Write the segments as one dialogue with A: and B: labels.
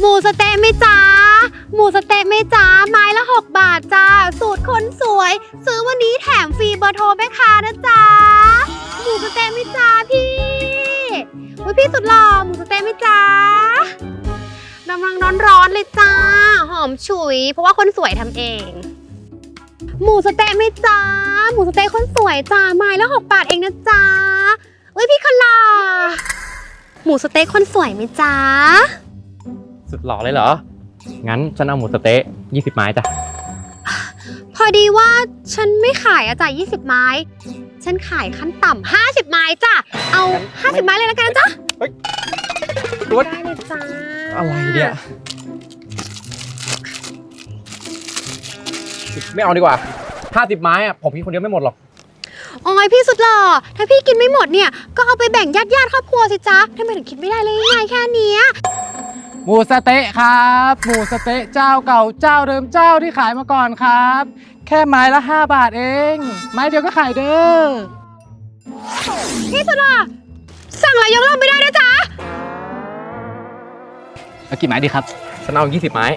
A: หมูสะเต๊ะไหมจ๊ะหมูสะเต๊ะไหมจ๊ะไม้ละ6 บาทจ้าสูตรคนสวยซื้อวันนี้แถมฟรีเบอร์โทรแม่ค้านะจ๊ะหมูสะเต๊ะไหมจ๊ะพี่อุ๊ยพี่สุดหล่อหมูสะเต๊ะไหมจ๊ะกำลังร้อนๆเลยจ้าหอมฉุยเพราะว่าคนสวยทำเองหมูสะเต๊ะไหมจ๊ะหมูสะเต๊ะคนสวยจ้าไม้ละ6 บาทเองนะจ๊ะอุ๊ยพี่คนหล่อหมูสะเต๊ะคนสวยไหมจ๊ะ
B: สุดหล่อเลยเหรอ งั้นฉันเอาหมูสะเต๊ะ20 ไม้จ้ะ
A: พอดีว่าฉันไม่ขายอะจ้ะ20 ไม้ ฉันขายขั้นต่ำ50 ไม้จ้ะ เอา50 ไม้เลยแล้วกันนะจ๊ะ
B: เฮ้ยตัว
A: ได้เลยจ้า
B: อะไรเนี่ย ไม่เอาดีกว่า50 ไม้อะผมกินคนเดียวไม่หมดหรอก
A: โอ้ยพี่สุดหล่อ ถ้าพี่กินไม่หมดเนี่ย ก็เอาไปแบ่งญาติครอบครัวสิจ๊ะทำไมถึงคิดไม่ได้เลยง่ายแค่เนี้ย
C: หมูสะเต๊ะครับหมูสะเต๊ะเจ้าเก่าเจ้าเดิมเจ้าที่ขายมาก่อนครับ แค่ไม้ละ5 บาทเองไม้เดียวก็ขายเด้อ
A: พี่สุดหล่อ สั่งแล้วยกเลิกไม่ได้นะจ๊ะ
C: เอากี่ไม้ดีครับ
B: ฉันเอา20 ไม้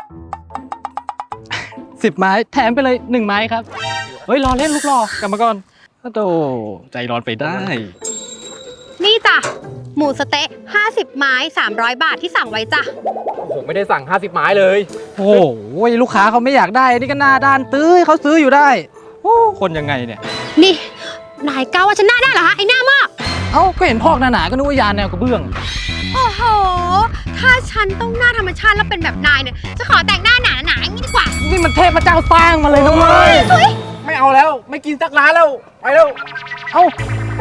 C: 10 ไม้แถมไปเลย1 ไม้ครับเฮ้ยรอเล่นลูกรอกลับมาก่อนโธ่ใจร้อนไปได้
A: นี่จ้ะ หมูสะเต๊ะ50 ไม้300 บาทที่สั่งไว้จ้ะ
B: ผมไม่ได้สั่ง50 ไม้เลย
C: โอ้โหลูกค้าเขาไม่อยากได้นี่ก็หน้าด้านตื้อเขาซื้ออยู่ได้โอ้คนยังไงเนี่ย
A: นี่ นายก้าวว่าฉันหน้าได้เหรอฮะไอ้หน้ามาก
C: เอ้าก็เห็นพอกหนาๆก็นึกว่ายานแนวกระเบื้อง
A: โอ้โห ถ้าฉันต้องหน้าธรรมชาติแล้วเป็นแบบนายเนี่ย จะขอแต่งหน้าหนาๆอย่างนี้ดีกว่า
C: นี่มันเทพเจ้าสร้างมาเลยนะเว้ย
B: ไม่เอาแล้ว ไม่กินสักร้านแล้ว ไปแล้ว
C: เอ้า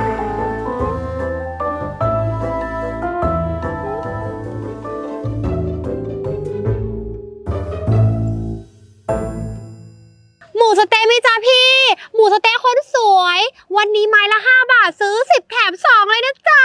A: หมูสะเต๊ะไหมจ๊ะพี่ หมูสะเต๊ะคนสวย วันนี้ไม้ละ5 บาทซื้อ10 แถม 2 เลยนะจ๊ะ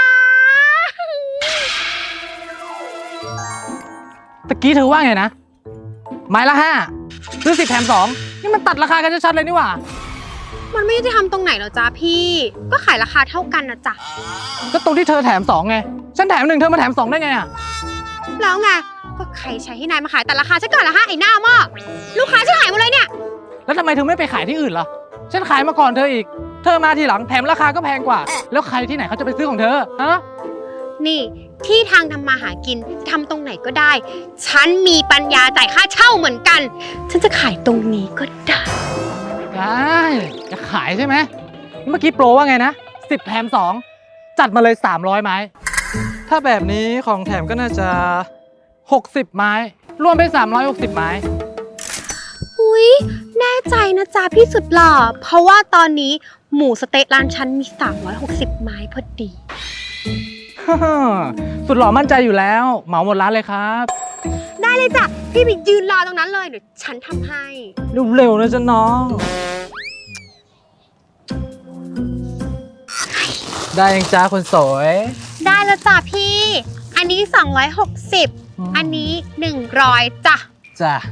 C: ตะกี้เธอว่าไงนะ ไม้ละ5ซื้อ10 แถม 2นี่มันตัดราคากันชัดๆเลยนี่หว่า
A: มันไม่ยุติธรรมตรงไหนหรอจ๊ะพี่ ก็ขายราคาเท่ากันนะจ๊ะ
C: ก็ตรงที่เธอแถม 2ไง ฉันแถม 1เธอมาแถม 2ได้ไงอ่ะ
A: แล้วไง ก็ใครใช้ให้นายมาขายแต่ราคาฉันก่อนละฮะไอ้หน้ามากลูกค้าฉันหายหมดเลยเนี่ย
C: แล้วทำไมเธอไม่ไปขายที่อื่นล่ะ ฉันขายมาก่อนเธออีก เธอมาทีหลังแถมราคาก็แพงกว่า แล้วใครที่ไหนเขาจะไปซื้อของเธอ ฮะ
A: นี่ที่ทางทำมาหากินทำตรงไหนก็ได้ ฉันมีปัญญาจ่ายค่าเช่าเหมือนกัน ฉันจะขายตรงนี้ก็ได้
C: ได้จะขายใช่ไหม เมื่อกี้โปรว่าไงนะ10 แถม 2 จัดมาเลย300 ไม้ ถ้าแบบนี้ของแถมก็น่าจะ60 ไม้ รวมเป็น360 ไม้
A: อุ๊ยแน่ใจนะจ๊ะพี่สุดหล่อ เพราะว่าตอนนี้หมูสะเต๊ะร้านฉันมี360 ไม้พอดี
C: สุดหล่อมั่นใจอยู่แล้ว เหมาหมดร้านเลยครับ
A: ได้เลยจ้ะ พี่ไปยืนรอตรงนั้นเลยเดี๋ยวฉันทำให้
C: เร็วๆนะจ๊ะน้อง ได้ยังจ้าคนสวย
A: ได้แล้วจ้ะพี่ อันนี้260 อันนี้100จ้ะ
C: จ้ะ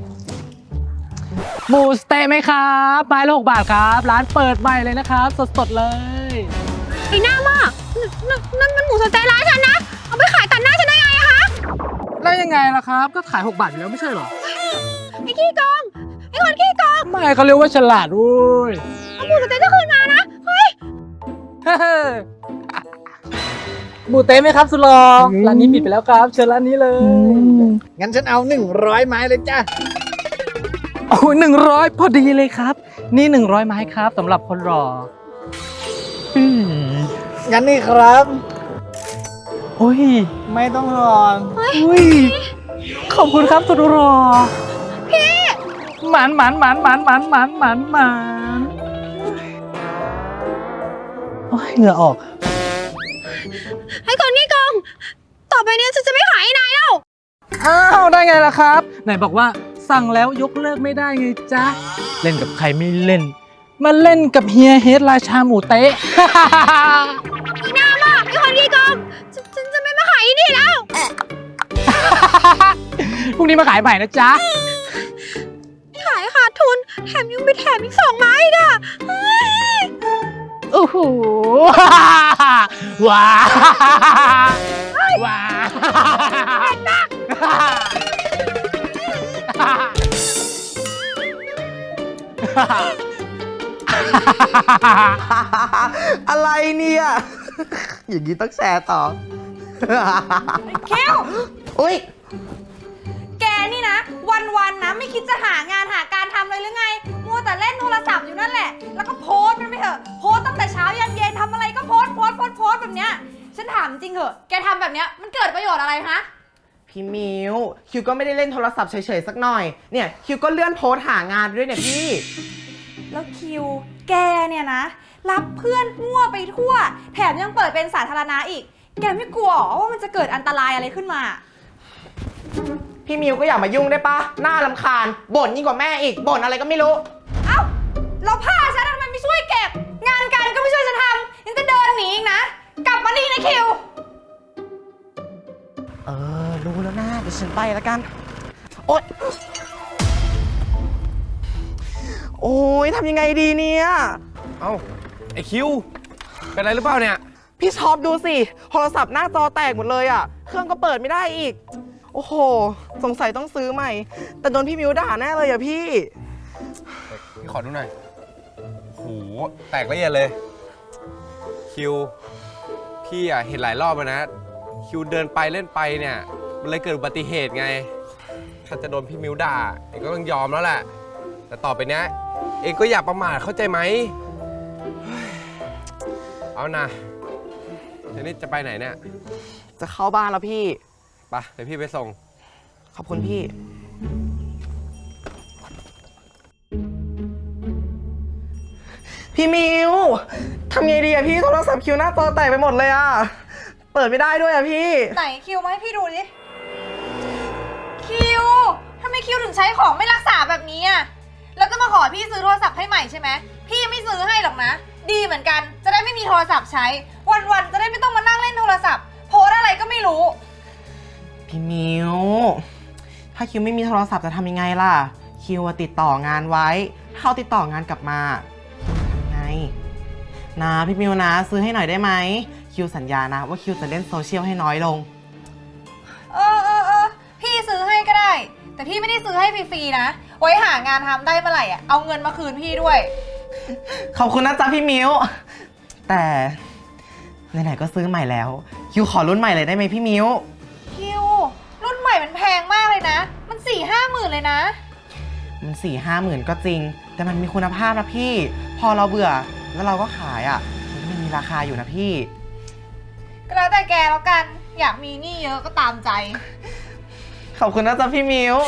C: หมูสเต๊ะไหมครับไม้ละ6 บาทครับ ร้านเปิดใหม่เลยนะครับ สดๆเลย
A: ไอ้หน้ามากนั่นมันหมูสะเต๊ะร้านฉันนะ เอาไปขายตัดหน้าฉันได้ไงอะคะ
C: แล้วยังไงล่ะครับ ก็ขาย6 บาทอยู่แล้วไม่ใช่เหรอ
A: ไอ้ขี้โกง ไอ้คนขี้โกง
C: ไม่เขาเรียกว่าฉลาดเว้ย
A: เอาหมูสะเต๊ะจะคืนมานะ เฮ้ย
C: หมูเต๊ะไหมครับสุดหลอร้านนี้ปิดไปแล้วครับ เชิญร้านนี้เลย
D: งั้นฉันเอา100 ไม้เลยจ้ะ
C: โอ้ย100 พอดีเลยครับ นี่100 ไม้ครับสำหรับคนรอ
D: งั้นนี่ครับ
C: โอ้ย
D: ไม่ต้องรอน
C: อุ้ย ขอบคุณครับสุดรอพี่หมันโอ้ยเหงื่อออก
A: ไอ้คนขี้โกง ต่อไปเนี้ยฉันจะไม่ขายให้นายแล้ว
C: อ้าวได้ไงล่ะครับ ไหนบอกว่าสั่งแล้วยกเลิกไม่ได้ไงจ๊ะ เล่นกับใครไม่เล่น มาเล่นกับเฮียเฮดราชาหมูเต๊ะ
A: ไอ้หน้ามาก ไอ้คนขี้โกง ฉันจะไม่มาขายที่นี่แล้ว
C: พรุ่งนี้มาขายใหม่นะจ๊ะ
A: ขายขาดทุน แถมยังไปแถมอีก2 ไม้อีกอะเฮ้ย
C: โอ้โห ว้าว้า
E: อะไรเนี่ย อย่างนี้ต้องแชร์ต่อ
F: คิว
E: อุ้ย
F: แกนี่นะ วันๆนะไม่คิดจะหางานหาการทำเลยหรือไง มัวแต่เล่นโทรศัพท์อยู่นั่นแหละ แล้วก็โพสต์มันไปเถอะ โพสต์ตั้งแต่เช้ายันเย็นทำอะไรก็โพสต์แบบเนี้ย ฉันถามจริงเหอะ แกทำแบบเนี้ยมันเกิดประโยชน์อะไรฮะ
E: พี่มิวคิวก็ไม่ได้เล่นโทรศัพท์เฉยๆสักหน่อย เนี่ยคิวก็เลื่อนโพสต์หางานด้วยเนี่ยพี่
F: แล้วคิว แกเนี่ยนะ รับเพื่อนมั่วไปทั่ว แถมยังเปิดเป็นสาธารณะอีก แกไม่กลัวหรอว่ามันจะเกิดอันตรายอะไรขึ้นมา
E: พี่มิวก็อย่ามายุ่งได้ปะน่ารำคาญบ่นยิ่งกว่าแม่อีกบ่นอะไรก็ไม่รู้
F: เอ้าเราผ้าฉันทำไมไม่ช่วยเก็บ งานการก็ไม่ช่วยฉันทำยังจะเดินหนีอีกนะ กลับมานี่นะคิว
E: รู้แล้วนะเดี๋ยวฉันไปแล้วกัน โอ๊ย โอ้ยทำยังไงดีเนี่ย
B: เอ้า ไอคิว เป็นอะไรหรือเปล่าเนี่ย
E: พี่ช็อปดูสิ โทรศัพท์หน้าจอแตกหมดเลยอ่ะ เครื่องก็เปิดไม่ได้อีก โอ้โห สงสัยต้องซื้อใหม่ แต่โดนพี่มิวด่าแน่เลยอ่ะพี่
G: พี่ขอดูหน่อยโหแตกละเอียดเลย คิว พี่อะเห็นหลายรอบแล้วนะ คิวเดินไปเล่นไปเนี่ย มันเลยเกิดอุบัติเหตุไง ถ้าจะโดนพี่มิวด่า เองก็ต้องยอมแล้วแหละ แต่ต่อไปเนี้ย เองก็อย่าประมาทเข้าใจไหมเฮ้ยเอานะเดี๋ยวนี้จะไปไหนเนี่ย
E: จะเข้าบ้านแล้วพี่
G: ไปเดี๋ยวพี่ไปส่ง
E: ขอบคุณพี่ พี่มิวทำไงดีอะพี่โทรศัพท์คิวหน้าจอแตกไปหมดเลยอะเปิดไม่ได้ด้วยอะพี่
F: ไหนคิวมาให้พี่ดูดิ คิวทำไมคิวถึงใช้ของไม่รักษาแบบนี้อ่ะ แล้วก็มาขอพี่ซื้อโทรศัพท์ให้ใหม่ใช่ไหม พี่ไม่ซื้อให้หรอกนะ ดีเหมือนกัน จะได้ไม่มีโทรศัพท์ใช้ วันๆจะได้ไม่ต้องมานั่งเล่นโทรศัพท์ โพสอะไรก็ไม่รู้
E: พี่มิวถ้าคิวไม่มีโทรศัพท์จะทำยังไงล่ะ คิวอะติดต่องานไว้ ถ้าเขาติดต่องานกลับมาคิวทำไงนะพี่มิวนะซื้อให้หน่อยได้ไหม คิวสัญญานะว่าคิวจะเล่นโซเชียลให้น้อยลง
F: เออ พี่ซื้อให้ก็ได้ แต่พี่ไม่ได้ซื้อให้ฟรีๆนะ ไว้หางานทำได้เมื่อไหร่อ่ะ เอาเงินมาคืนพี่ด้วย
E: ขอบคุณนะจ๊ะพี่มิวแต่ไหนๆก็ซื้อใหม่แล้ว คิวขอรุ่นใหม่เลยได้ไหมพี่มิว
F: คิว รุ่นใหม่มันแพงมากเลยนะ มัน 4-5 หมื่นเลยนะ
E: มัน4-5 หมื่นก็จริง แต่มันมีคุณภาพนะพี่ พอเราเบื่อแล้วเราก็ขายอ่ะมันก็ยังมีราคาอยู่นะพี่
F: ก็แล้วแต่แกแล้วกัน อยากมีหนี้เยอะก็ตามใจ
E: ขอบคุณนะจ๊ะพี่มิว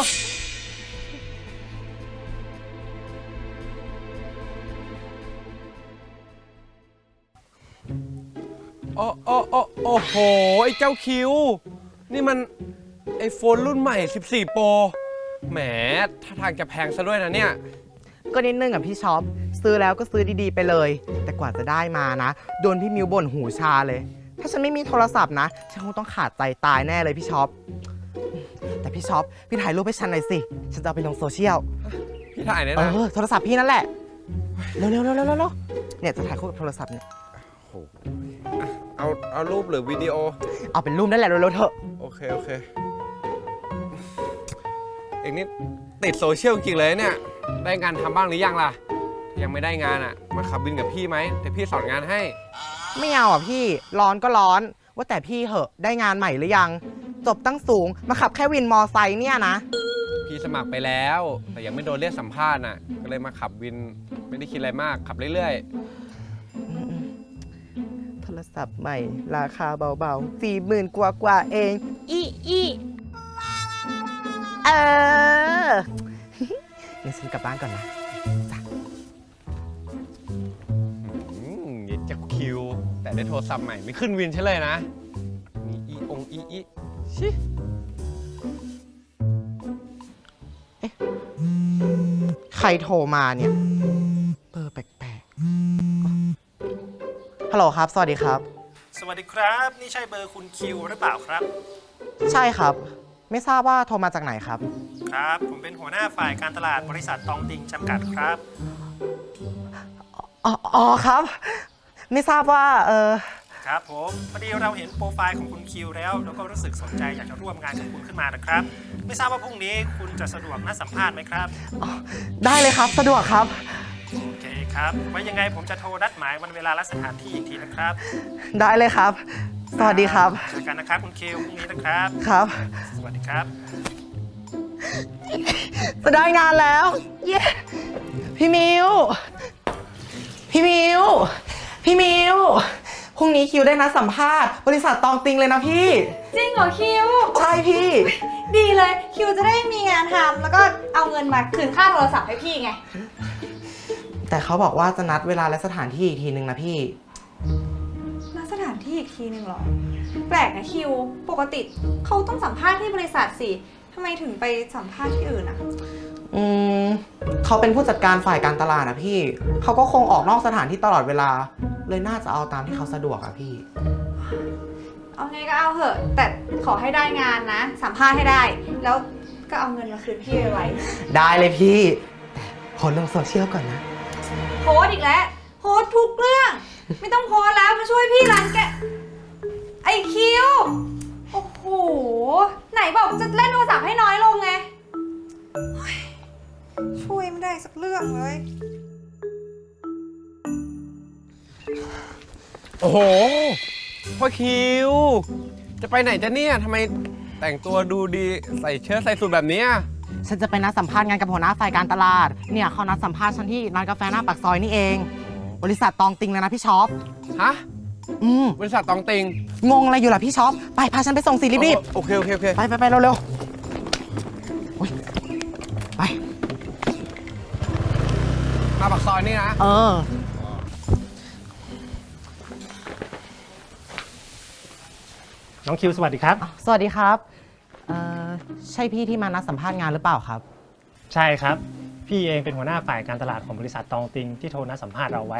G: โอ้โห ไอ้เจ้าคิว นี่มันไอโฟนรุ่นใหม่ 14 Pro แหมถ้าทางจะแพงซะด้วยนะเนี่ย
E: ก็นิดนึงอ่ะพี่ช็อปซื้อแล้วก็ซื้อดีๆไปเลย แต่กว่าจะได้มานะ โดนพี่มิวบ่นหูชาเลย ถ้าฉันไม่มีโทรศัพท์นะฉันคงต้องขาดใจตายแน่เลยพี่ช็อปแต่พี่ช็อปพี่ถ่ายรูปให้ฉันหน่อยสิฉันจะเอาไปลงโซเชียล
G: พี่ถ่ายเนี่ยนะ
E: โทรศัพท์พี่นั่นแหละเร็วเนี่ยจะถ่ายคู่กับโทรศัพท์เนี่ย
G: เอารูปหรือวิดีโอ
E: เอาเป็นรูปนั่นแหละเร็วๆเถอะ
G: โอเค เองนี่ติดโซเชียลจริงๆเลยเนี่ย ได้งานทำบ้างหรือยังล่ะ ยังไม่ได้งานอ่ะ มาขับวินกับพี่ไหมเดี๋ยวพี่สอนงานให้
E: ไม่เอาอ่ะพี่ร้อนก็ร้อนว่าแต่พี่เหอะได้งานใหม่หรือยังจบตั้งสูงมาขับแค่วินมอไซค์เนี่ยนะ
G: พี่สมัครไปแล้ว แต่ยังไม่โดนเรียกสัมภาษณ์น่ะ ก็เลยมาขับวินไม่ได้คิดอะไรมากขับเรื่อย
E: โทรศัพท์ใหม่ราคาเบาๆ40,000 กว่าเองอีงั้นฉันกลับบ้านก่อนนะ
G: ๆอย่าจะคิว แต่ได้โทรศัพท์ใหม่ไม่ขึ้นวินใช่เลยนะมีอีชิ
E: ใครโทรมาเนี่ยเบอร์แปลกๆฮัลโหลครับสวัสดีครับ
H: สวัสดีครับ นี่ใช่เบอร์คุณคิวหรือเปล่าครับ
E: ใช่ครับ ไม่ทราบว่าโทรมาจากไหนครับ
H: ครับ ผมเป็นหัวหน้าฝ่ายการตลาดบริษัทตองติงจำกัดครับ
E: อ๋อครับ ไม่ทราบว่า
H: ครับผมพอดีเราเห็นโปรไฟล์ของคุณคิวแล้วก็รู้สึกสนใจอยากจะร่วมงานกับคุณขึ้นมานะครับ ไม่ทราบว่าพรุ่งนี้คุณจะสะดวกนัดสัมภาษณ์ไหมครับ
E: ได้เลยครับสะดวกครับ
H: โอเคครับ ไว้ยังไงผมจะโทรนัดหมายวันเวลาและสถานที่อีกทีนะครับ
E: ได้เลยครับ สวัสดีครับ
H: เจอกันนะครับคุณคิวพรุ่งนี้นะครับ
E: ครับ
H: สวัสดีครับ
E: จะได้งานแล้ว เย้ พี่มิว พี่มิว พี่มิว พรุ่งนี้คิวได้นัดสัมภาษณ์บริษัทตองติงเลยนะพี่
F: จริงเหรอคิว
E: ใช่พี่
F: ดีเลยคิวจะได้มีงานทำแล้วก็เอาเงินมาคืนค่าโทรศัพท์ให้พี่ไง
E: แต่เขาบอกว่าจะนัดเวลาและสถานที่อีกทีนึงนะพี่
F: นัดสถานที่อีกทีหนึ่งเหรอ แปลกนะคิว ปกติเขาต้องสัมภาษณ์ที่บริษัทสิทำไมถึงไปสัมภาษณ์ที่อื่นอะ
E: เขาเป็นผู้จัดการฝ่ายการตลาดนะพี่ เขาก็คงออกนอกสถานที่ตลอดเวลา เลยน่าจะเอาตามที่เขาสะดวกอะพี่
F: เอาไงก็เอาเถอะ แต่ขอให้ได้งานนะ สัมภาษณ์ให้ได้ แล้วก็เอาเงินมาคืนพี่ไว้
E: ได้เลยพี่แต่โพสต์ลงโซเชียลก่อนนะ
F: โพสต์อีกแล้ว โพสต์ทุกเรื่อง ไม่ต้องโพสต์แล้วมาช่วยพี่ร้านแกไอคิว โอ้โห ไหนบอกจะเล่นโทรศัพท์ให้น้อยลงไงเฮ้ยช่วยไม่ได้สักเรื่องเลย
G: โอ้โหพ่อคิว จะไปไหนจะเนี่ยทำไมแต่งตัวดูดีใส่เชิ้ตใส่สูทแบบเนี้ย
E: ฉันจะไปนัดสัมภาษณ์งานกับหัวหน้าฝ่ายการตลาด เนี่ยเขานัดสัมภาษณ์ฉันที่ร้านกาแฟหน้าปากซอยนี่เอง บริษัทตองติงเลยนะพี่ช็อป
G: ฮะ บริษัทตองติง
E: งงอะไรอยู่ล่ะพี่ช็อป ไปพาฉันไปส่งสิรีบ
G: โอเค โอเค โอเค
E: ๆไปเร็วๆโอ๊ยไป
G: มาปากซอยนี่นะ
H: น้องคิวสวัสดีครับ
E: สวัสดีครับใช่พี่ที่มานัดสัมภาษณ์งานหรือเปล่าครับ
H: ใช่ครับ พี่เองเป็นหัวหน้าฝ่ายการตลาดของบริษัทตองติงที่โทรนัดสัมภาษณ์เราไว้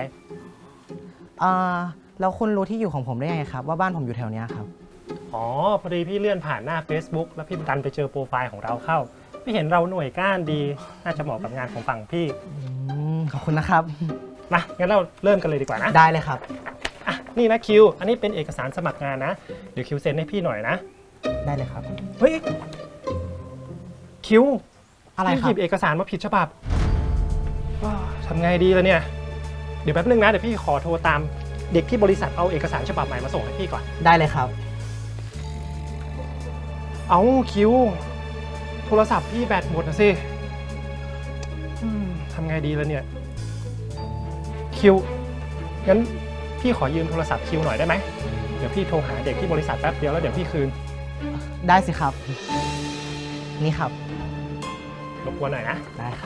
E: แล้วคุณรู้ที่อยู่ของผมได้ยังไงครับว่าบ้านผมอยู่แถวเนี้ยครับ
H: อ๋อ พอดีพี่เลื่อนผ่านหน้า Facebook แล้วพี่ดันไปเจอโปรไฟล์ของเราเข้า พี่เห็นเราหน่วยก้านดี น่าจะเหมาะกับงานของฝั่งพี่
E: ขอบคุณนะครับ
H: มางั้นเราเริ่มกันเลยดีกว่านะ
E: ได้เลยครับ
H: อ่ะนี่นะคิว อันนี้เป็นเอกสารสมัครงานนะ เดี๋ยวคิวเซ็นให้พี่หน่อยนะ
E: ได้เลยครับ
H: เฮ้ย คิว
E: อะไร
H: พี่
E: ครั
H: หยิ
E: บ
H: บเอกสารมาผิดฉบับทำไงดีล่ะเนี่ย เดี๋ยวแป๊บนึงนะ เดี๋ยวพี่ขอโทรตามเด็กที่บริษัทเอาเอกสารฉบับใหม่มาส่งให้พี่ก่อน
E: ได้เลยครับ
H: เอาคิว โทรศัพท์พี่แบตหมดนะสิทำไงดีล่ะเนี่ย คิว งั้นพี่ขอยืมโทรศัพท์คิวหน่อยได้ไหม เดี๋ยวพี่โทรหาเด็กที่บริษัทแป๊บเดียวแล้วเดี๋ยวพี่คืน
E: ได้สิครับ นี่ครับ
H: รบกวนหน่อยนะ
E: ได้ครับ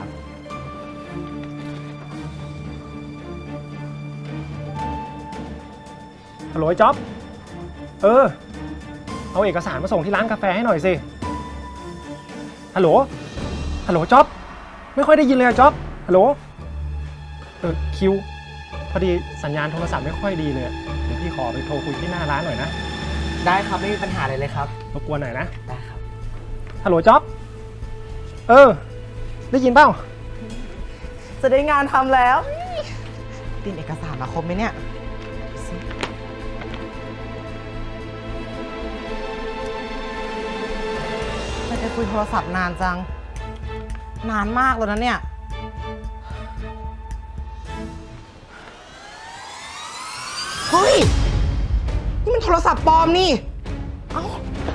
H: ฮัลโหลไอ้จ๊อบ เอาเอกสารมาส่งที่ร้านกาแฟให้หน่อยสิ ฮัลโหล ฮัลโหลจ๊อบ ไม่ค่อยได้ยินเลยอะจ๊อบ ฮัลโหล คิว พอดีสัญญาณโทรศัพท์ไม่ค่อยดีเลย เดี๋ยวพี่ขอไปโทรคุยที่หน้าร้านหน่อยนะ
E: ได้ครับไม่มีปัญหาเลยครับ
H: รบกวนหน่อยนะ
E: ได้ครับ
H: ฮัลโหลจ๊อบ ได้ยินเปล่า
E: จะได้งานทำแล้วเตรียมเอกสารมาครบไหมเนี่ยไม่ได้คุยโทรศัพท์นานจัง นานมากแล้วนะเนี่ย เฮ้ย นี่มันโทรศัพท์ปลอมนี่ เอ้า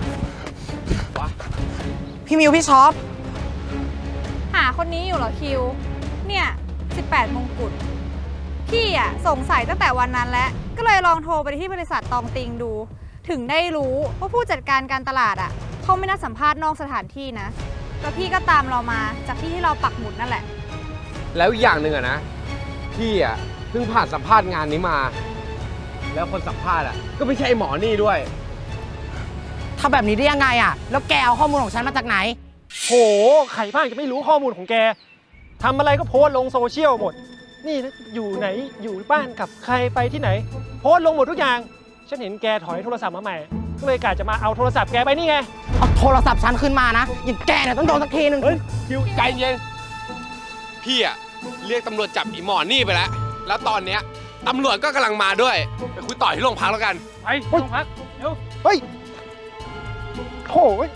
E: พี่มิวพี่ช็อป
F: หาคนนี้อยู่เหรอคิว เนี่ย 18 มงกุฎ พี่อะสงสัยตั้งแต่วันนั้นแล้ว ก็เลยลองโทรไปที่บริษัทตองติงดู ถึงได้รู้ว่าผู้จัดการการตลาดอะเขาไม่นัดสัมภาษณ์นอกสถานที่นะ แล้วพี่ก็ตามเรามาจากที่เราปักหมุดนั่นแหละ
G: แล้วอีกอย่างหนึ่งอะนะ พี่อะเพิ่งผ่านสัมภาษณ์งานนี้มา แล้วคนสัมภาษณ์อะก็ไม่ใช่ไอ้หมอนี่ด้วย
E: ทำแบบนี้ได้ยังไงอะแล้วแกเอาข้อมูลของฉันมาจากไหน
H: โห ใครบ้างจะไม่รู้ข้อมูลของแก ทำอะไรก็โพสต์ลงโซเชียลหมด นี่อยู่ไหน อยู่บ้านกับใครไปที่ไหน โพสต์ลงหมดทุกอย่าง ฉันเห็นแกถอยโทรศัพท์มาใหม่ ก็เลยกะจะมาเอาโทรศัพท์แกไปนี่ไง
E: เอาโทรศัพท์ฉันขึ้นมานะ อย่างแกเนี่ยต้องโดนสักทีนึง
G: เฮ้ย คิวใจเย็น พี่อะเรียกตำรวจจับอีหมอนี่ไปแล้ว แล้วตอนเนี้ยตำรวจก็กำลังมาด้วย ไปคุยต่อที่โรงพักแล้วกัน
H: ไปโรงพักเดี๋ยวเฮ้ยโถ่เว้ย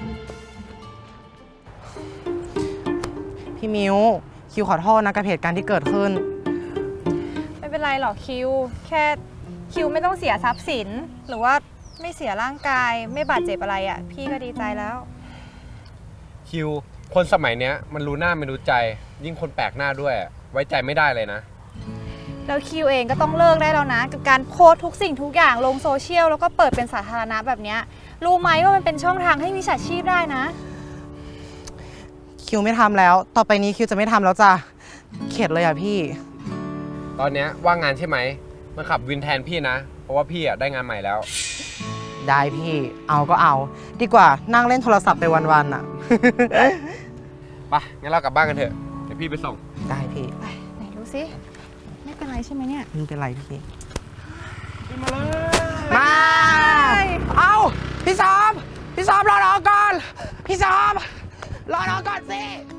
E: พี่มิวคิวขอโทษนะกับเหตุการณ์ที่เกิดขึ้น
F: เป็นไรหรอกคิว แค่คิวไม่ต้องเสียทรัพย์สิน หรือว่าไม่เสียร่างกาย ไม่บาดเจ็บอะไรอ่ะ พี่ก็ดีใจแล้ว
G: คิว คนสมัยเนี้ยมันรู้หน้าไม่รู้ใจ ยิ่งคนแปลกหน้าด้วย ไว้ใจไม่ได้เลยนะ
F: แล้วคิวเองก็ต้องเลิกได้แล้วนะ กับการโพสต์ทุกสิ่งทุกอย่างลงโซเชียลแล้วก็เปิดเป็นสาธารณะแบบเนี้ยรู้ไหมว่ามันเป็นช่องทางให้มิจฉาชีพได้นะ
E: คิวไม่ทำแล้ว ต่อไปนี้คิวจะไม่ทำแล้วจ้ะ เข็ดเลยอะพี่
G: ตอนเนี้ยว่างงานใช่ไหมมาขับวินแทนพี่นะ เพราะว่าพี่ได้งานใหม่แล้ว
E: ได้พี่ เอาก็เอา ดีกว่านั่งเล่นโทรศัพท์ไปวันๆอะ
G: ไปงั้นเรากลับบ้านกันเถอะ เดี๋ยวพี่ไปส่ง
E: ได้พี่
F: ไปไหนดูสิไม่เป็นไรใช่ไหมเนี่ย
E: ไม่เป็นไรพี่ มา เอาพี่ซอมรอก่อน พี่ซอมรอก่อนสิ